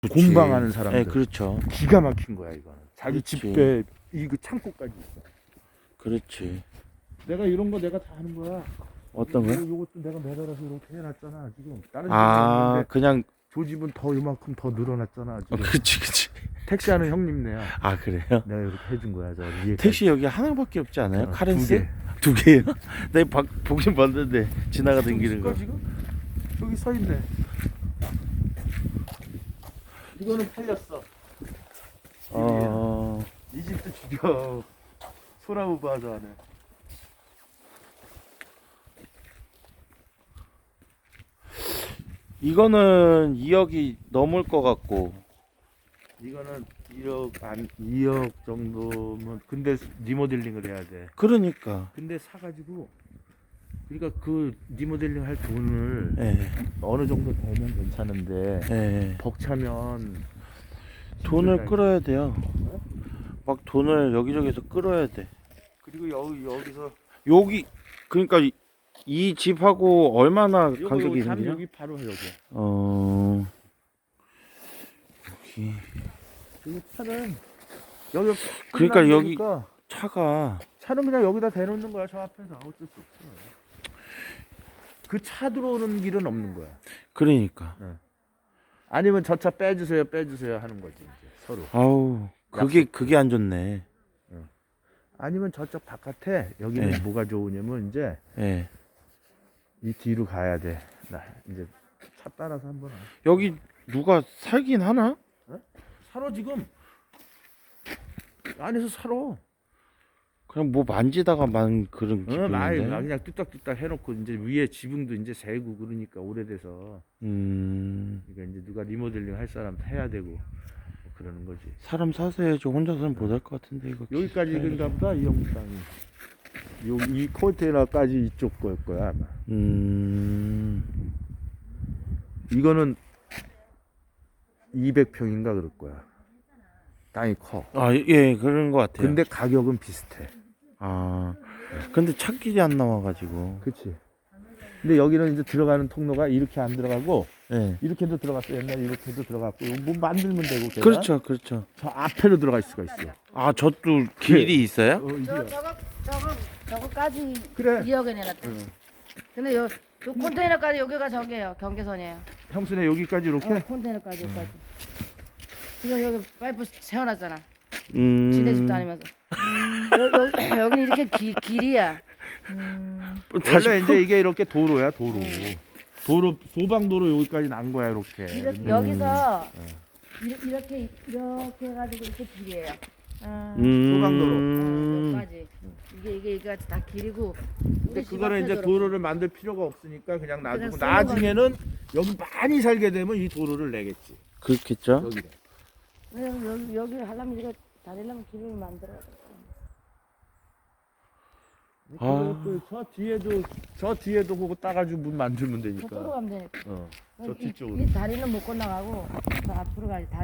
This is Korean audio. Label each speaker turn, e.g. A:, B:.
A: 공방하는 사람들.
B: 네, 그렇죠.
A: 기가 막힌 거야 이거는. 자기
B: 그렇지.
A: 집에 이거 창고까지 있어.
B: 그렇지.
A: 내가 이런 거 내가 다 하는 거야.
B: 어떤 거요?
A: 요것도 내가 매달아서 이렇게 해놨잖아 지금. 다른
B: 아,
A: 집은
B: 그냥
A: 저 집은 더 이만큼 더 늘어났잖아 지금.
B: 그치.
A: 택시하는 형님네야.
B: 아, 그래요?
A: 내가 이렇게 해준 거야 저 위에.
B: 택시 여기 하나밖에 없지 않아요?
A: 어,
B: 카렌스? 두 개요? 내가 보긴 봤는데 지나가던 길인 거.
A: 지금 여기 서 있네. 이거는 팔렸어. 이 집도 죽여. 소나무 바자 안에.
B: 이거는 2억이 넘을 것 같고.
A: 이거는 2억 정도면 근데 리모델링을 해야 돼.
B: 그러니까.
A: 근데 사가지고 그러니까 그 리모델링 할 돈을
B: 예.
A: 어느 정도 되면 괜찮은데
B: 예.
A: 벅차면
B: 돈을
A: 힘들다,
B: 끌어야 돼요. 막 돈을 여기저기서 끌어야 돼.
A: 그리고 여기서
B: 여기 그러니까 이 집하고 얼마나 간격이
A: 여기
B: 있는지.
A: 여기 바로 여기.
B: 여기
A: 여기 차는 여기
B: 그러니까 여기
A: 끝나니까
B: 차가
A: 차는 그냥 여기다 대놓는 거야 저 앞에서. 어쩔 수 없어. 그 차 들어오는 길은 없는 거야.
B: 그러니까.
A: 아니면 저 차 빼주세요 하는 거지 이제 서로.
B: 아우 그게 안 좋네.
A: 아니면 저쪽 바깥에 여기는
B: 네.
A: 뭐가 좋으냐면 이제
B: 예.
A: 이 뒤로 가야 돼. 나 이제 차 따라서 한번.
B: 여기 누가 살긴 하나?
A: 살아 지금 안에서 살아.
B: 그냥 뭐 만지다가 만 그런
A: 많이
B: 기분인데.
A: 그냥 뚝딱뚝딱 해놓고 이제 위에 지붕도 이제 새고 그러니까 오래돼서 그러니까 이제 누가 리모델링 할 사람 해야 되고 뭐 그러는 거지.
B: 사람 사세요. 저 혼자서는 못 할 것 같은데 이거.
A: 여기까지 인가 보다 이 형 땅이. 이 컨테이너까지 이쪽 걸 거야 아마. 이거는 200평인가 그럴 거야. 땅이 커.
B: 아, 예, 그런 것 같아요.
A: 근데 가격은 비슷해.
B: 아, 근데 찾길이 안 나와가지고.
A: 그치. 근데 여기는 이제 들어가는 통로가 이렇게 안 들어가고
B: 예.
A: 이렇게도 들어갔어. 옛날에 이렇게도 들어갔고 뭐 만들면 되고 걔가.
B: 그렇죠, 그렇죠.
A: 저 앞에로 들어갈 수가 있어.
B: 아, 저도 길이 있어요?
A: 이게.
C: 저거까지
A: 그래.
C: 2억에 내놨다. 근데 요 컨테이너까지 여기가 저기예요. 경계선이에요.
A: 형수네 여기까지 이렇게.
C: 컨테이너까지 여기까지. 지금 여기 파이프 세워놨잖아.
B: 음.
C: 지네 집도 아니면서. 여기는 이렇게 길이야.
A: 원래 이제 이게 이렇게 도로야 도로. 도로 소방도로 여기까지 난 거야 이렇게.
C: 여기서 이렇게 해가지고 이렇게 길이에요.
A: 소방도로.
C: 여기까지. 이게 다 길이고.
A: 근데 그거는 이제 도로를 만들 필요가 없으니까 그냥 놔두고
C: 그냥
A: 나중에는 여기 많이 살게 되면 이 도로를 내겠지.
B: 그렇겠죠?
A: 여기다.
C: 여기 하려면 이거 다리려면 길을 만들어야 돼.
B: 아.
A: 저 뒤에도 그거 따가지고 문 만들면
C: 저쪽으로
A: 되니까.
C: 가면 되니까.
A: 저 뒤쪽으로.
C: 이 다리는 못 건너가고 저 앞으로 가야지.